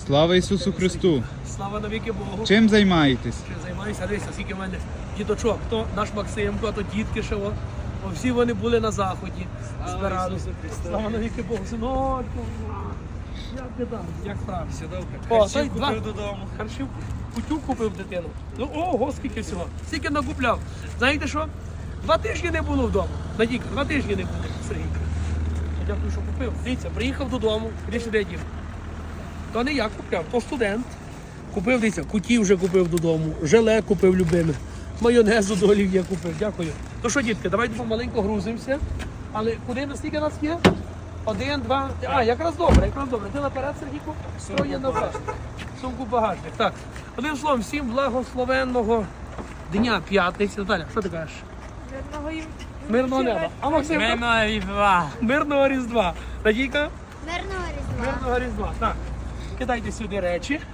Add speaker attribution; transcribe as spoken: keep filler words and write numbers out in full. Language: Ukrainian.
Speaker 1: Слава Ісусу Христу!
Speaker 2: Слава навіки Богу.
Speaker 1: Чим займаєтесь?
Speaker 2: Чим займаюся? Дивися, скільки в мене діточок. То наш Максимко, то дітки ще. О. О, всі вони були на заході. Збиралися. Слава навіки Богу. Синочку. Як ти там? Як справи?
Speaker 3: Все добре.
Speaker 2: О,
Speaker 3: Харчів
Speaker 2: той два.
Speaker 3: купив додому.
Speaker 2: Харчів кутю купив дитину. Ну, ого, скільки всього. Скільки накупляв. Знаєте що? Два тижні не було вдома. Надійка, два тижні не було, Сергійка. Я дякую, що купив. Дивіться, приїхав додому, іди сюди, дів. То не я купляв, то студент. Купив, дивіться, кутів вже купив додому, желе купив любиме, майонезу до олів'є купив, дякую. То що, дітки, давайте помаленько грузимося. Але куди, наскільки нас є? Один, два, а, якраз добре, якраз добре. Ти наперед, Сергійку? Що є наперед? Сумку багажник. Так, одним словом, всім благословенного дня п'ятниці. Наталя, що ти кажеш?
Speaker 4: Мирного їм.
Speaker 2: Мирного неба. А Максим?
Speaker 3: Мирного різдва.
Speaker 2: Мирного Різдва. Надійка?
Speaker 4: Мирного різдва.
Speaker 2: Мирного Різдва. Так, кидайте сюди речі.